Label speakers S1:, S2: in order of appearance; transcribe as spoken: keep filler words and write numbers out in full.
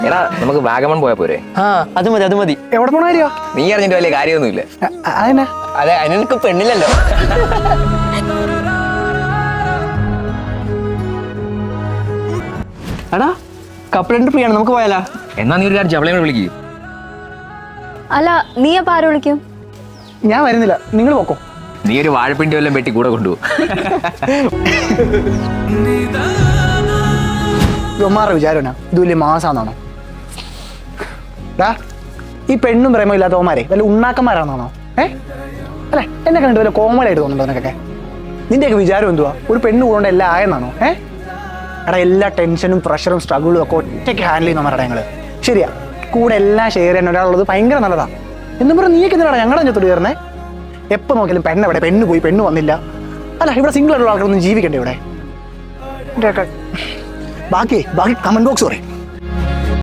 S1: എടാ നമുക്ക് വാഗമൺ പോയാ പോരെ?
S2: ആ അത് മതി അത് മതി.
S3: എവിടെ പോണ കാര്യോ?
S1: നീ അറിഞ്ഞിട്ട് വലിയ കാര്യമൊന്നുമില്ല.
S3: അതന്നെ.
S2: അതെ, അതിനൊക്കെ പെണ്ണില്ലല്ലോ. എടാ കപ്പിളിന്റെ ഫ്രീ ആണ്, നമുക്ക് പോയാലാ?
S1: എന്നാ നീ ഒരു കാര്യം അവളെ വിളിക്കും.
S4: അല്ല നീ അപ്പൊ ആരെ വിളിക്കും?
S3: ഞാൻ വരുന്നില്ല, നിങ്ങൾ പോക്കോ.
S1: നീ ഒരു വാഴപ്പിണ്ടി വല്ലതും വെട്ടി കൂടെ കൊണ്ടുപോകും.
S3: ഇവന്മാരുടെ വിചാരം ഇത് വലിയ മാസാന്നാണോ? ഡാ ഈ പെണ്ണും പ്രേമം ഇല്ലാത്ത ഓമാരെ വല്ല ഉണ്ണാക്കന്മാരാണെന്നാണോ? ഏ അല്ലെ എന്നെ കണ്ടിട്ട് വല്ല കോമഡി ആയിട്ട് തോന്നുന്നുണ്ടോ നിനക്കൊക്കെ? നിന്റെയൊക്കെ വിചാരം എന്തുവാ? ഒരു പെണ്ണ് കൂടെ എല്ലാം ആയെന്നാണോ? ഏ എടാ എല്ലാ ടെൻഷനും പ്രഷറും സ്ട്രഗിളും ഒക്കെ ഒറ്റയ്ക്ക് ഹാൻഡിൽ ചെയ്യുന്നവരുടെ ഞങ്ങള്. ശരിയാ, കൂടെ എല്ലാം ഷെയർ ചെയ്യാൻ ഒരാളുള്ളത് ഭയങ്കര നല്ലതാ. എന്നും പറഞ്ഞാൽ നീയൊക്കെ എന്തിനാണ് ഞങ്ങളുടെ അഞ്ചത്തോട് കയറുന്നേ? എപ്പോൾ നോക്കിയാലും പെണ്ണെവിടെ, പെണ്ണ് പോയി, പെണ്ണ് വന്നില്ല. അല്ല ഇവിടെ സിംഗിൾ ആയിട്ടുള്ള ആൾക്കാരൊന്നും ജീവിക്കണ്ടേ ഇവിടെ? ബാക്കി ബാക്കി കമന്റ് ബോക്സ് പറയും.